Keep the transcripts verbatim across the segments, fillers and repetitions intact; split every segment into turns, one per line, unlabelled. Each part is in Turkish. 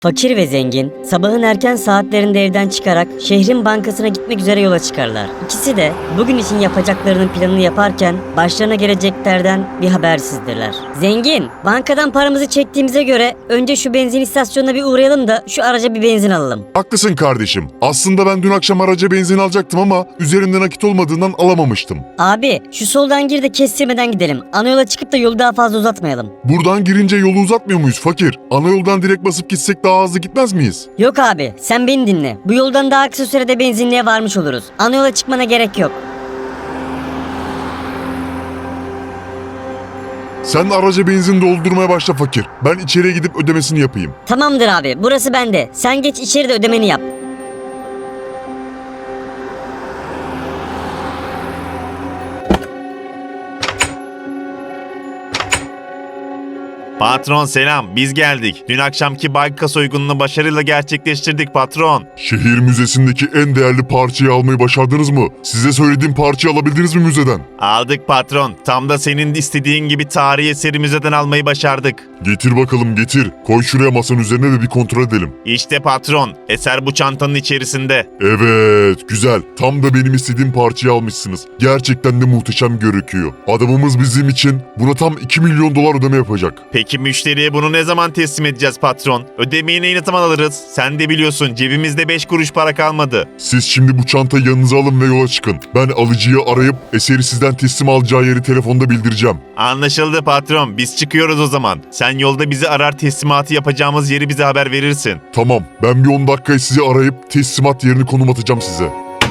Fakir ve zengin sabahın erken saatlerinde evden çıkarak şehrin bankasına gitmek üzere yola çıkarlar. İkisi de bugün için yapacaklarının planını yaparken başlarına geleceklerden bir habersizdirler. Zengin, bankadan paramızı çektiğimize göre önce şu benzin istasyonuna bir uğrayalım da şu araca bir benzin alalım.
Haklısın kardeşim. Aslında ben dün akşam araca benzin alacaktım ama üzerinde nakit olmadığından alamamıştım.
Abi şu soldan gir de kestirmeden gidelim. Ana yola çıkıp da yolu daha fazla uzatmayalım.
Buradan girince yolu uzatmıyor muyuz fakir? Ana yoldan direkt basıp gitsek daha hızlı gitmez miyiz?
Yok abi sen beni dinle. Bu yoldan daha kısa sürede benzinliğe varmış oluruz. Ana yola çıkmana gerek yok.
Sen araca benzin doldurmaya başla fakir. Ben içeriye gidip ödemesini yapayım.
Tamamdır abi burası bende. Sen geç içeride ödemeni yap.
Patron selam, biz geldik. Dün akşamki banka soygununu başarıyla gerçekleştirdik patron.
Şehir müzesindeki en değerli parçayı almayı başardınız mı? Size söylediğim parçayı alabildiniz mi müzeden?
Aldık patron. Tam da senin istediğin gibi tarihi eseri müzeden almayı başardık.
Getir bakalım getir. Koy şuraya masanın üzerine ve bir kontrol edelim.
İşte patron, eser bu çantanın içerisinde.
Evet, güzel. Tam da benim istediğim parçayı almışsınız. Gerçekten de muhteşem gözüküyor. Adamımız bizim için buna tam iki milyon dolar ödeme yapacak.
Peki müşteriye bunu ne zaman teslim edeceğiz patron? Ödemeyi ne zaman alırız? Sen de biliyorsun cebimizde beş kuruş para kalmadı.
Siz şimdi bu çantayı yanınıza alın ve yola çıkın. Ben alıcıyı arayıp eseri sizden teslim alacağı yeri telefonda bildireceğim.
Anlaşıldı patron, biz çıkıyoruz o zaman. Sen yolda bizi arar, teslimatı yapacağımız yeri bize haber verirsin.
Tamam, ben bir on dakikaya sizi arayıp teslimat yerini konum atacağım size.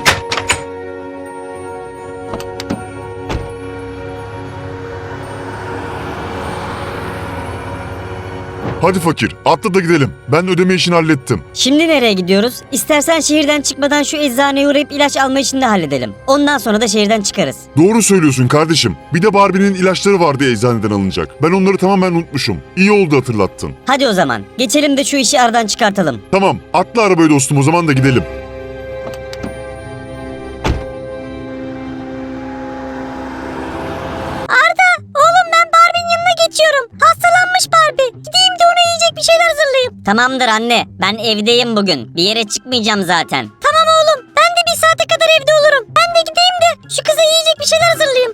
Hadi fakir, atla da gidelim. Ben ödeme işini hallettim.
Şimdi nereye gidiyoruz? İstersen şehirden çıkmadan şu eczaneye uğrayıp ilaç alma işini de halledelim. Ondan sonra da şehirden çıkarız.
Doğru söylüyorsun kardeşim. Bir de Barbie'nin ilaçları vardı eczaneden alınacak. Ben onları tamamen unutmuşum. İyi oldu hatırlattın.
Hadi o zaman geçelim de şu işi aradan çıkartalım.
Tamam, atla arabayı dostum o zaman da gidelim.
Oğlum ben Barbie'nin yanına geçiyorum. Hastalanmış Barbie. Gideyim de ona yiyecek bir şeyler hazırlayayım. Tamamdır anne. Ben evdeyim bugün. Bir yere çıkmayacağım zaten. Tamam oğlum. Ben de bir saate kadar evde olurum. Ben de gideyim de şu kıza yiyecek bir şeyler hazırlayayım.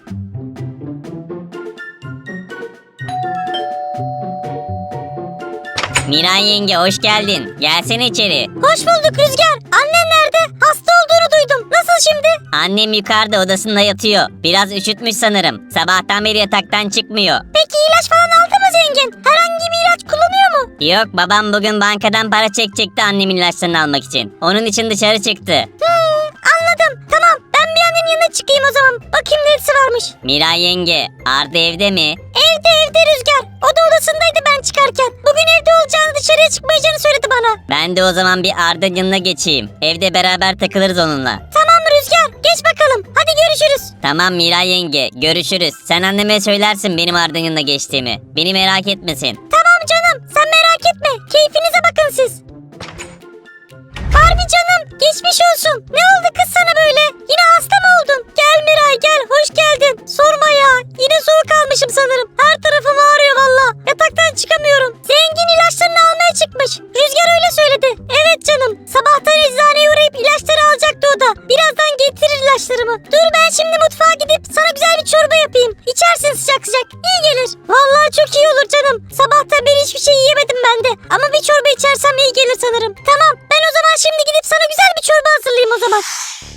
Miray yenge hoş geldin. Gelsene içeri. Hoş bulduk Rüzgar. Annen nerede? Hasta olduğunu duydum. Nasıl şimdi? Annem yukarıda odasında yatıyor. Biraz üşütmüş sanırım. Sabahtan beri yataktan çıkmıyor. Peki ilaç falan aldı mı zengin? Herhangi bir ilaç kullanıyor mu? Yok babam bugün bankadan para çekecekti annemin ilaçlarını almak için. Onun için dışarı çıktı. Hmm, anladım. Tamam ben bir annemin yanına çıkayım o zaman. Bakayım neresi varmış. Miray yenge Arda evde mi? Evde evde Rüzgar. O da odasındaydı ben çıkarken. Bugün evde olacağını dışarıya çıkmayacağını söyledi bana. Ben de o zaman bir Arda'nın yanına geçeyim. Evde beraber takılırız onunla. Tamam Rüzgar geç bakalım. Hadi görüşürüz. Tamam Miray yenge görüşürüz. Sen anneme söylersin benim Arda'nın yanına geçtiğimi. Beni merak etmesin. Tamam canım sen merak etme. Keyfinize bakın siz. Barbie canım geçmiş olsun. Ne oldu kız sana böyle? Yine hasta mı oldun? Gel Miray gel hoş geldin. Sorma ya. Yine soğuk almışım sanırım. Her tarafım ağrıyor valla. Yataktan çıkamıyorum. Zengin ilaçlarını almaya çıkmış. Rüzgar öyle söyledi. Evet canım. Sabahtan eczaneye uğrayıp ilaçları alacaktı o da. Birazdan getirir ilaçlarımı. Dur ben şimdi mutfağa gidip sana güzel bir çorba yapayım. İçersin sıcak sıcak. İyi gelir. Vallahi çok iyi olur canım. Sabahtan beri hiçbir şey yiyemedim ben de. Ama bir çorba içersem iyi gelir sanırım. Tamam ben o zaman şimdi gidip sana güzel bir çorba hazırlayayım o zaman.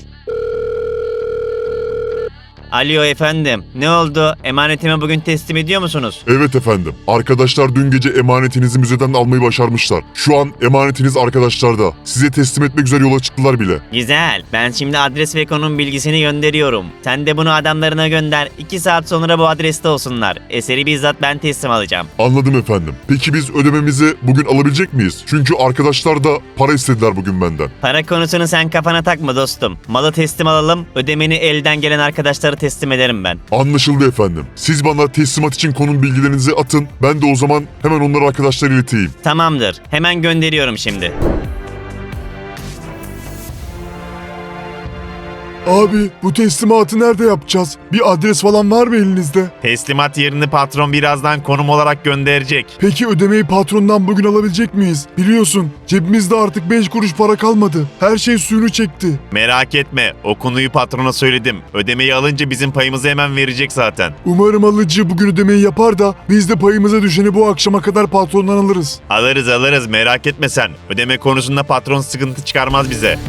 Alo efendim, ne oldu? Emanetimi bugün teslim ediyor musunuz?
Evet efendim. Arkadaşlar dün gece emanetinizi müzeden almayı başarmışlar. Şu an emanetiniz arkadaşlarda. Size teslim etmek üzere yola çıktılar bile.
Güzel, ben şimdi adres ve konum bilgisini gönderiyorum. Sen de bunu adamlarına gönder, iki saat sonra bu adreste olsunlar. Eseri bizzat ben teslim alacağım.
Anladım efendim. Peki biz ödememizi bugün alabilecek miyiz? Çünkü arkadaşlar da para istediler bugün benden.
Para konusunu sen kafana takma dostum. Malı teslim alalım, ödemeni elden gelen arkadaşlara teslim ederim ben.
Anlaşıldı efendim. Siz bana teslimat için konum bilgilerinizi atın. Ben de o zaman hemen onları arkadaşlara ileteyim.
Tamamdır, hemen gönderiyorum şimdi.
Abi bu teslimatı nerede yapacağız? Bir adres falan var mı elinizde?
Teslimat yerini patron birazdan konum olarak gönderecek.
Peki ödemeyi patrondan bugün alabilecek miyiz? Biliyorsun cebimizde artık beş kuruş para kalmadı. Her şey suyunu çekti.
Merak etme, o konuyu patrona söyledim. Ödemeyi alınca bizim payımızı hemen verecek zaten.
Umarım alıcı bugün ödemeyi yapar da biz de payımıza düşeni bu akşama kadar patrondan alırız.
Alırız alırız, merak etme sen. Ödeme konusunda patron sıkıntı çıkarmaz bize.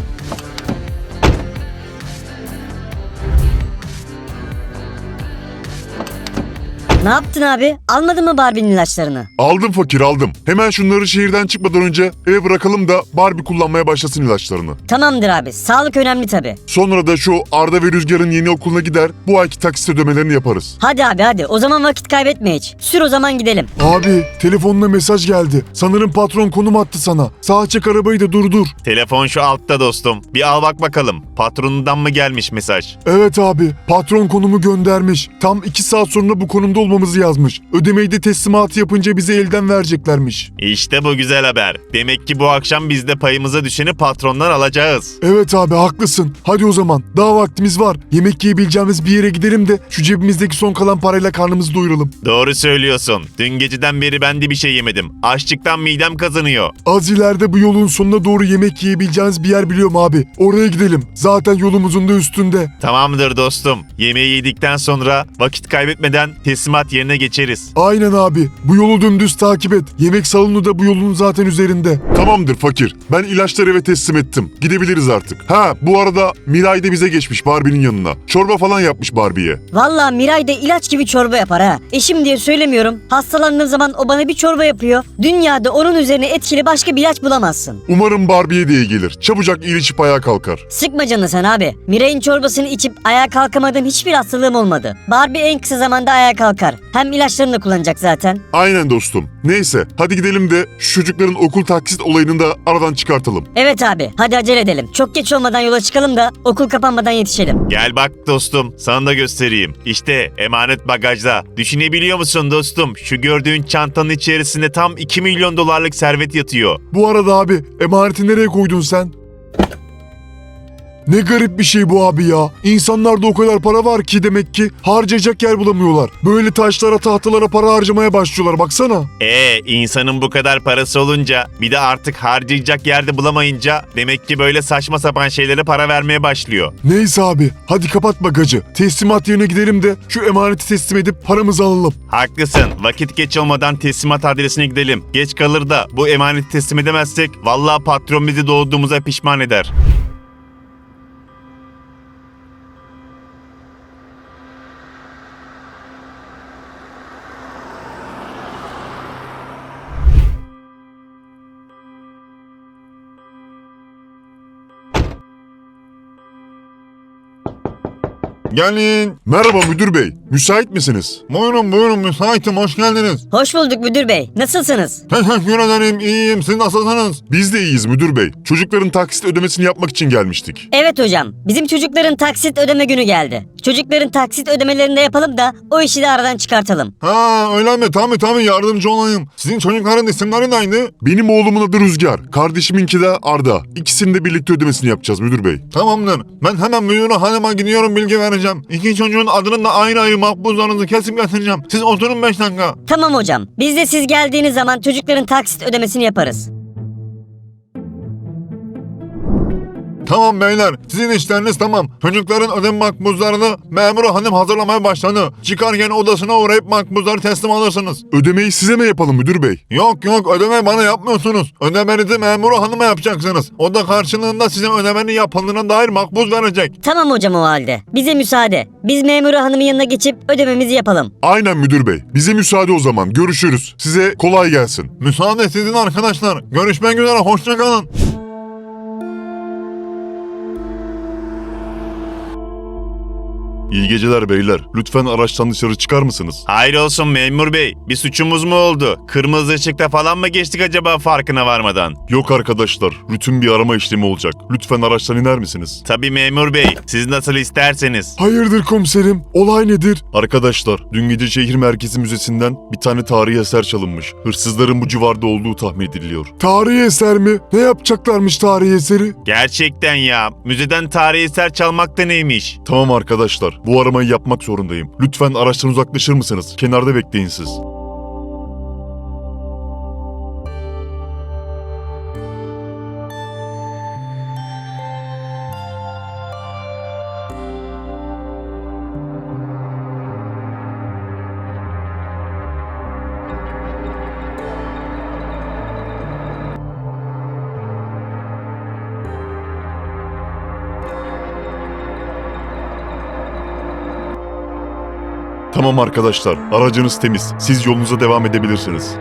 Ne yaptın abi? Almadın mı Barbie'nin ilaçlarını?
Aldım fakir aldım. Hemen şunları şehirden çıkmadan önce eve bırakalım da Barbie kullanmaya başlasın ilaçlarını.
Tamamdır abi. Sağlık önemli tabii.
Sonra da şu Arda ve Rüzgar'ın yeni okuluna gider, bu ayki taksit ödemelerini yaparız.
Hadi abi hadi. O zaman vakit kaybetme hiç. Sür o zaman gidelim.
Abi telefonuna mesaj geldi. Sanırım patron konum attı sana. Sağa çek arabayı da durdur.
Telefon şu altta dostum. Bir al bak bakalım. Patronundan mı gelmiş mesaj?
Evet abi patron konumu göndermiş. Tam iki saat sonra bu konumda olmamızı yazmış. Ödemeyi de teslimatı yapınca bize elden vereceklermiş.
İşte bu güzel haber. Demek ki bu akşam biz de payımıza düşeni patrondan alacağız.
Evet abi haklısın. Hadi o zaman daha vaktimiz var. Yemek yiyebileceğimiz bir yere gidelim de şu cebimizdeki son kalan parayla karnımızı doyuralım.
Doğru söylüyorsun. Dün geceden beri ben de bir şey yemedim. Açlıktan midem kazanıyor.
Az ileride bu yolun sonuna doğru yemek yiyebileceğiniz bir yer biliyorum abi. Oraya gidelim. Zaten yolumuzun da üstünde.
Tamamdır dostum. Yemeği yedikten sonra vakit kaybetmeden teslimat yerine geçeriz.
Aynen abi. Bu yolu dümdüz takip et. Yemek salonu da bu yolun zaten üzerinde.
Tamamdır fakir. Ben ilaçları eve teslim ettim. Gidebiliriz artık. Ha bu arada Miray da bize geçmiş Barbie'nin yanına. Çorba falan yapmış Barbie'ye.
Vallahi Miray da ilaç gibi çorba yapar ha. Eşim diye söylemiyorum. Hastalandığım zaman o bana bir çorba yapıyor. Dünyada onun üzerine etkili başka bir ilaç bulamazsın.
Umarım Barbie'ye de iyi gelir. Çabucak iyileşip ayağa kalkar.
Sıkma canını sen abi. Miray'ın çorbasını içip ayağa kalkamadığım hiçbir hastalığım olmadı. Barbie en kısa zamanda ayağa kalkar. Hem ilaçlarını da kullanacak zaten.
Aynen dostum. Neyse hadi gidelim de şu çocukların okul taksit olayını da aradan çıkartalım.
Evet abi hadi acele edelim. Çok geç olmadan yola çıkalım da okul kapanmadan yetişelim.
Gel bak dostum, sana da göstereyim. İşte emanet bagajda. Düşünebiliyor musun dostum? Şu gördüğün çantanın içerisinde tam iki milyon dolarlık servet yatıyor.
Bu arada abi emaneti nereye koydun sen? Ne garip bir şey bu abi ya. İnsanlarda o kadar para var ki demek ki harcayacak yer bulamıyorlar. Böyle taşlara tahtalara para harcamaya başlıyorlar baksana.
Ee, insanın bu kadar parası olunca bir de artık harcayacak yerde bulamayınca demek ki böyle saçma sapan şeylere para vermeye başlıyor.
Neyse abi hadi kapat bagajı. Teslimat yerine gidelim de şu emaneti teslim edip paramızı alalım.
Haklısın. Vakit geç olmadan teslimat adresine gidelim. Geç kalır da bu emaneti teslim edemezsek vallahi patron bizi doğduğumuza pişman eder.
Gelin. Merhaba müdür bey. Müsait misiniz?
Buyurun buyurun müsaitim hoş geldiniz.
Hoş bulduk müdür bey. Nasılsınız?
Teşekkür ederim iyiyim siz nasılsınız?
Biz de iyiyiz müdür bey. Çocukların taksit ödemesini yapmak için gelmiştik.
Evet hocam. Bizim çocukların taksit ödeme günü geldi. Çocukların taksit ödemelerini de yapalım da o işi de aradan çıkartalım.
Ha öyle mi tabii tabii yardımcı olayım. Sizin çocukların isimleri neydi?
Benim oğlumun adı Rüzgar. Kardeşiminki de Arda. İkisinin de birlikte ödemesini yapacağız müdür bey.
Tamamdır ben hemen müdüre hanıma gidiyorum bilgi vereceğim. İki çocuğun adının da ayrı ayrı makbuzlarınızı kesip getireceğim. Siz oturun beş dakika.
Tamam hocam. Biz de siz geldiğiniz zaman çocukların taksit ödemesini yaparız.
Tamam beyler sizin işleriniz tamam. Çocukların ödeme makbuzlarını memuru hanım hazırlamaya başladı. Çıkarken odasına uğrayıp makbuzları teslim alırsınız.
Ödemeyi size mi yapalım müdür bey?
Yok yok ödeme bana yapmıyorsunuz. Ödemenizi memuru hanıma yapacaksınız. O da karşılığında size ödemenin yapıldığına dair makbuz verecek.
Tamam hocam o halde. Bize müsaade. Biz memuru hanımın yanına geçip ödememizi yapalım.
Aynen müdür bey. Bize müsaade o zaman. Görüşürüz. Size kolay gelsin.
Müsaade sizin arkadaşlar. Görüşmek üzere hoşça kalın.
İyi geceler beyler. Lütfen araçtan dışarı çıkar mısınız?
Hayır olsun memur bey. Bir suçumuz mu oldu? Kırmızı ışıkta falan mı geçtik acaba farkına varmadan?
Yok arkadaşlar. Rutin bir arama işlemi olacak. Lütfen araçtan iner misiniz?
Tabii memur bey. Siz nasıl isterseniz.
Hayırdır komiserim? Olay nedir? Arkadaşlar, dün gece şehir merkezi müzesinden bir tane tarihi eser çalınmış. Hırsızların bu civarda olduğu tahmin ediliyor. Tarihi eser mi? Ne yapacaklarmış tarihi eseri?
Gerçekten ya. Müzeden tarihi eser çalmak da neymiş?
Tamam arkadaşlar, bu aramayı yapmak zorundayım. Lütfen araçtan uzaklaşır mısınız? Kenarda bekleyin siz. Tamam arkadaşlar, aracınız temiz. Siz yolunuza devam edebilirsiniz.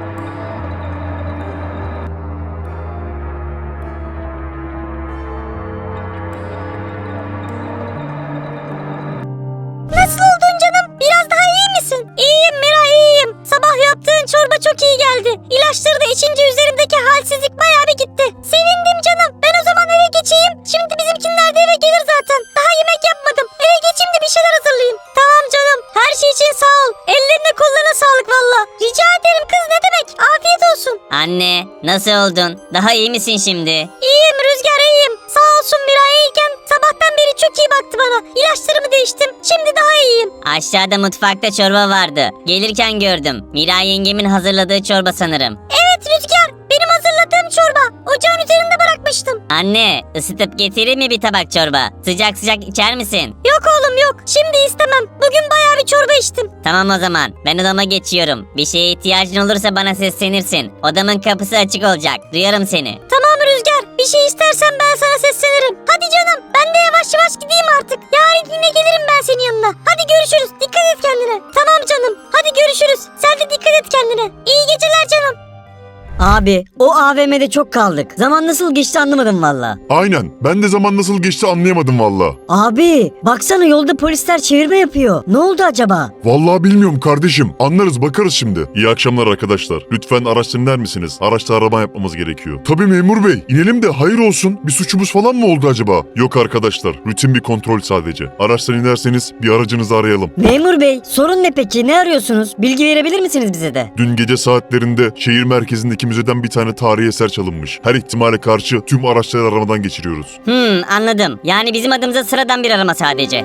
Nasıl oldun canım? Biraz daha iyi misin? İyiyim Mira, iyiyim. Sabah yaptığın çorba çok iyi geldi. İlaçları da içince üzerimdeki halsizlik bayağı bir gitti. Sevindim canım. Ben o zaman eve geçeyim. Şimdi bizimkinler de eve gelir zaten. Daha yemek yapmadım. Eve geçeyim de bir şeyler hazırlayayım. Tamam canım. Her şey için sağ ol. Ellerine kollarına sağlık valla. Rica ederim kız, ne demek. Afiyet olsun. Anne, nasıl oldun? Daha iyi misin şimdi? İyiyim Rüzgar, iyiyim. Sağ olsun Mira, iyiyken sabahtan beri çok iyi baktı bana. İlaçlarımı değiştim. Şimdi daha iyiyim. Aşağıda mutfakta çorba vardı. Gelirken gördüm. Mira yengemin hazırladığı çorba sanırım. Evet Rüzgar, benim hazırladığım çorba. Ocağın üzerinde bırakmıştım. Anne, ısıtıp getireyim mi bir tabak çorba? Sıcak sıcak içer misin? Yok oğlum yok. Şimdi istemem. Bugün bayağı bir çorba içtim. Tamam o zaman. Ben odama geçiyorum. Bir şeye ihtiyacın olursa bana seslenirsin. Odamın kapısı açık olacak. Duyarım seni. Tamam Rüzgar. Bir şey istersen ben sana seslenirim. Hadi canım. Ben de yavaş yavaş gideyim artık. Yarın yine gelirim ben senin yanına. Hadi görüşürüz. Dikkat et kendine. Tamam canım. Hadi görüşürüz. Sen de dikkat et kendine. İyi geceler canım.
Abi o A V M'de çok kaldık. Zaman nasıl geçti anlamadım valla.
Aynen, ben de zaman nasıl geçti anlayamadım valla.
Abi baksana yolda polisler çevirme yapıyor. Ne oldu acaba?
Vallahi bilmiyorum kardeşim. Anlarız, bakarız şimdi. İyi akşamlar arkadaşlar. Lütfen araçtan iner misiniz? Araçta arama yapmamız gerekiyor. Tabii memur bey. İnelim de hayır olsun. Bir suçumuz falan mı oldu acaba? Yok arkadaşlar. Rutin bir kontrol sadece. Araçtan inerseniz bir aracınızı arayalım.
Memur bey sorun ne peki? Ne arıyorsunuz? Bilgi verebilir misiniz bize de?
Dün gece saatlerinde şehir merkezindeki müzeden bir tane tarihi eser çalınmış. Her ihtimale karşı tüm araçları aramadan geçiriyoruz.
Hmm, anladım. Yani bizim adımıza sıradan bir arama sadece.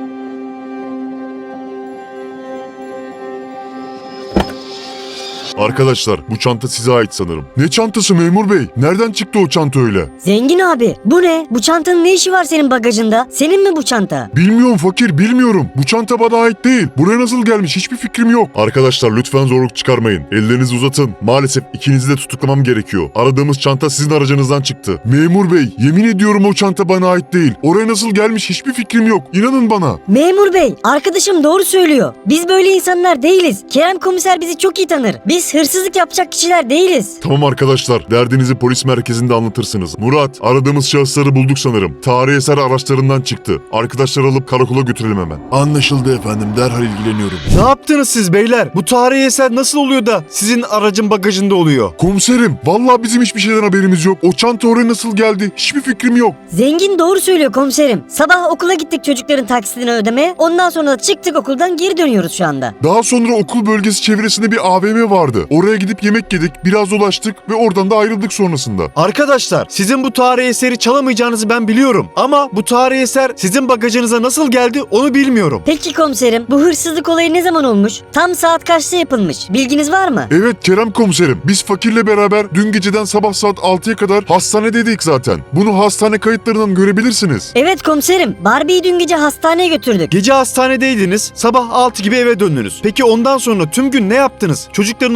Arkadaşlar bu çanta size ait sanırım. Ne çantası memur bey? Nereden çıktı o çanta öyle?
Zengin abi bu ne? Bu çantanın ne işi var senin bagajında? Senin mi bu çanta?
Bilmiyorum fakir, bilmiyorum. Bu çanta bana ait değil. Buraya nasıl gelmiş hiçbir fikrim yok. Arkadaşlar lütfen zorluk çıkarmayın. Ellerinizi uzatın. Maalesef ikinizi de tutuklamam gerekiyor. Aradığımız çanta sizin aracınızdan çıktı. Memur bey, yemin ediyorum o çanta bana ait değil. Oraya nasıl gelmiş hiçbir fikrim yok. İnanın bana.
Memur bey arkadaşım doğru söylüyor. Biz böyle insanlar değiliz. Kerem komiser bizi çok iyi tanır. Biz hırsızlık yapacak kişiler değiliz.
Tamam arkadaşlar, derdinizi polis merkezinde anlatırsınız. Murat, aradığımız şahısları bulduk sanırım. Tarihi eser araçlarından çıktı. Arkadaşlar alıp karakola götürelim hemen. Anlaşıldı efendim, derhal ilgileniyorum.
Ne yaptınız siz beyler? Bu tarihi eser nasıl oluyor da sizin aracın bagajında oluyor?
Komiserim, vallahi bizim hiçbir şeyden haberimiz yok. O çanta oraya nasıl geldi hiçbir fikrim yok.
Zengin doğru söylüyor komiserim. Sabah okula gittik çocukların taksitini ödemeye. Ondan sonra da çıktık okuldan geri dönüyoruz şu anda.
Daha sonra okul bölgesi çevresinde bir A V M vardı. Oraya gidip yemek yedik, biraz dolaştık ve oradan da ayrıldık sonrasında.
Arkadaşlar sizin bu tarihi eseri çalamayacağınızı ben biliyorum. Ama bu tarihi eser sizin bagajınıza nasıl geldi onu bilmiyorum.
Peki komiserim bu hırsızlık olayı ne zaman olmuş? Tam saat kaçta yapılmış? Bilginiz var mı?
Evet Kerem komiserim, biz fakirle beraber dün geceden sabah saat altıya kadar hastanedeydik zaten. Bunu hastane kayıtlarından görebilirsiniz.
Evet komiserim. Barbie'yi dün gece hastaneye götürdük.
Gece hastanedeydiniz, sabah altı gibi eve döndünüz. Peki ondan sonra tüm gün ne yaptınız? Çocukların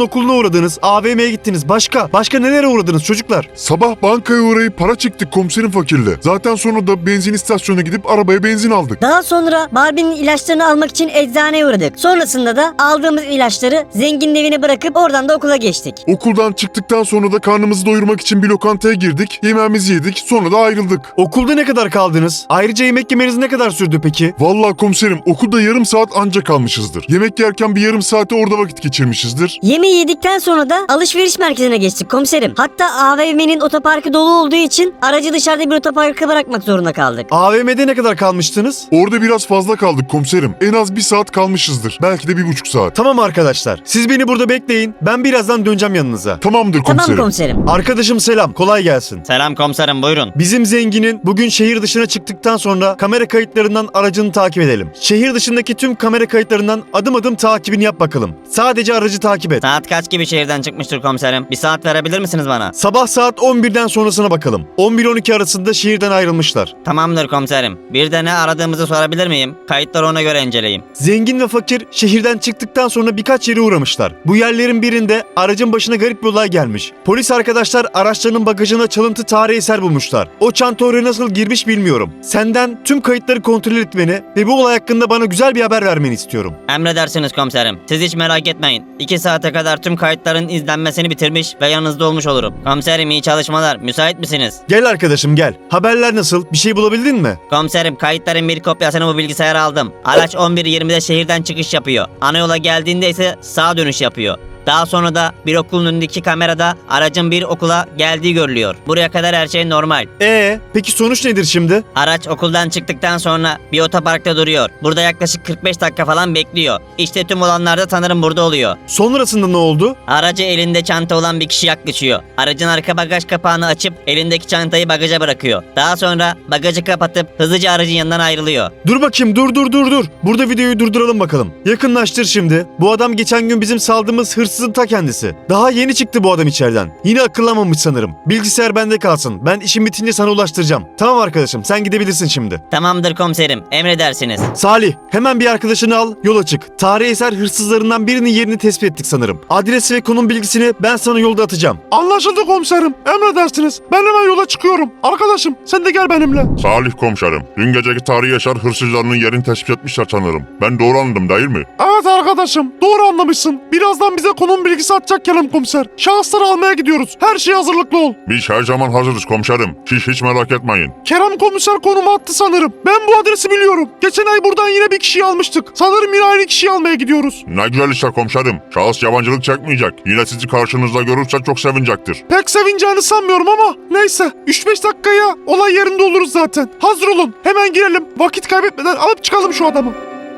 okuluna uğradınız, A V M'ye gittiniz. Başka? Başka nelere uğradınız çocuklar?
Sabah bankaya uğrayıp para çektik komiserim fakirle. Zaten sonra da benzin istasyonuna gidip arabaya benzin aldık.
Daha sonra Barbie'nin ilaçlarını almak için eczaneye uğradık. Sonrasında da aldığımız ilaçları zenginin evine bırakıp oradan da okula geçtik.
Okuldan çıktıktan sonra da karnımızı doyurmak için bir lokantaya girdik. Yemeğimizi yedik. Sonra da ayrıldık.
Okulda ne kadar kaldınız? Ayrıca yemek yemeniz ne kadar sürdü peki?
Vallahi komiserim okulda yarım saat anca kalmışızdır. Yemek yerken bir yarım saate orada vakit geçirmişizdir.
Yemeği yedikten sonra da alışveriş merkezine geçtik komiserim. Hatta A V M'nin otoparkı dolu olduğu için aracı dışarıda bir otoparka bırakmak zorunda kaldık.
A V M'de ne kadar kalmıştınız?
Orada biraz fazla kaldık komiserim. En az bir saat kalmışızdır. Belki de bir buçuk saat.
Tamam arkadaşlar. Siz beni burada bekleyin. Ben birazdan döneceğim yanınıza.
Tamamdır komiserim.
Tamam komiserim.
Arkadaşım selam. Kolay gelsin.
Selam komiserim, buyurun.
Bizim zenginin bugün şehir dışına çıktıktan sonra kamera kayıtlarından aracını takip edelim. Şehir dışındaki tüm kamera kayıtlarından adım adım takibini yap bakalım. Sadece aracı takip et.
Saat kaç gibi şehirden çıkmıştır komiserim? Bir saat verebilir misiniz bana?
Sabah saat on birden sonrasına bakalım. on bir on iki arasında şehirden ayrılmışlar.
Tamamdır komiserim. Bir de ne aradığımızı sorabilir miyim? Kayıtları ona göre inceleyeyim.
Zengin ve fakir şehirden çıktıktan sonra birkaç yere uğramışlar. Bu yerlerin birinde aracın başına garip bir olay gelmiş. Polis arkadaşlar araçlarının bagajına çalıntı tarihi eser bulmuşlar. O çanta oraya nasıl girmiş bilmiyorum. Senden tüm kayıtları kontrol etmeni ve bu olay hakkında bana güzel bir haber vermeni istiyorum.
Emredersiniz komiserim. Siz hiç merak etmeyin. İki saate kadar tüm kayıtların izlenmesini bitirmiş ve yanınızda olmuş olurum. Komiserim iyi çalışmalar. Müsait misiniz?
Gel arkadaşım gel. Haberler nasıl? Bir şey bulabildin mi?
Komiserim kayıtların bir kopyasını bu bilgisayara aldım. Araç on bir yirmide şehirden çıkış yapıyor. Ana yola geldiğinde ise sağa dönüş yapıyor. Daha sonra da bir okulun önündeki kamerada aracın bir okula geldiği görülüyor. Buraya kadar her şey normal.
Ee, peki sonuç nedir şimdi?
Araç okuldan çıktıktan sonra bir otoparkta duruyor. Burada yaklaşık kırk beş dakika falan bekliyor. İşte tüm olanlar da sanırım burada oluyor.
Sonrasında ne oldu?
Aracı elinde çanta olan bir kişi yaklaşıyor. Aracın arka bagaj kapağını açıp elindeki çantayı bagaja bırakıyor. Daha sonra bagajı kapatıp hızlıca aracın yanından ayrılıyor.
Dur bakayım dur dur dur dur. Burada videoyu durduralım bakalım. Yakınlaştır şimdi. Bu adam geçen gün bizim saldığımız hırsızın ta kendisi. Daha yeni çıktı bu adam içeriden. Yine akıllanmamış sanırım. Bilgisayar bende kalsın. Ben işim bitince sana ulaştıracağım. Tamam arkadaşım sen gidebilirsin şimdi.
Tamamdır komiserim, emredersiniz.
Salih hemen bir arkadaşını al yola çık. Tarihi eser hırsızlarından birinin yerini tespit ettik sanırım. Adresi ve konum bilgisini ben sana yolda atacağım.
Anlaşıldı komiserim. Emredersiniz. Ben hemen yola çıkıyorum. Arkadaşım sen de gel benimle.
Salih komiserim. Dün geceki tarihi eser hırsızlarının yerini tespit etmişler sanırım. Ben doğru anladım değil mi?
Evet arkadaşım. Doğru anlamışsın. Birazdan bize konum bilgisi atacak Kerem komiser. Şahısları almaya gidiyoruz. Her şeye hazırlıklı ol.
Biz her zaman hazırız komiserim. Siz hiç merak etmeyin.
Kerem komiser konumu attı sanırım. Ben bu adresi biliyorum. Geçen ay buradan yine bir kişiyi almıştık. Sanırım yine aynı kişiyi almaya gidiyoruz.
Ne güzel işte komiserim. Şahıs yabancılık çekmeyecek. Yine sizi karşınızda görürse çok sevinecektir.
Pek sevineceğini sanmıyorum ama neyse. üç beş dakikaya olay yerinde oluruz zaten. Hazır olun. Hemen girelim. Vakit kaybetmeden alıp çıkalım şu adamı.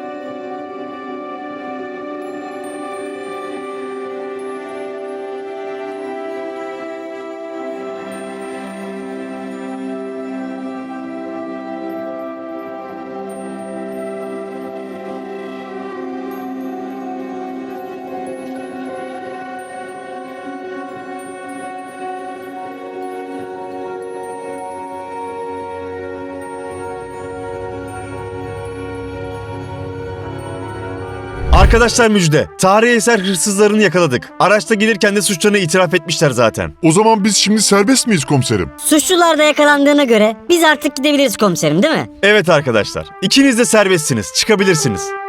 Arkadaşlar müjde. Tarihi eser hırsızlarını yakaladık. Araçta gelirken de suçlarını itiraf etmişler zaten.
O zaman biz şimdi serbest miyiz komiserim?
Suçlular da yakalandığına göre biz artık gidebiliriz komiserim değil mi?
Evet arkadaşlar. İkiniz de serbestsiniz. Çıkabilirsiniz.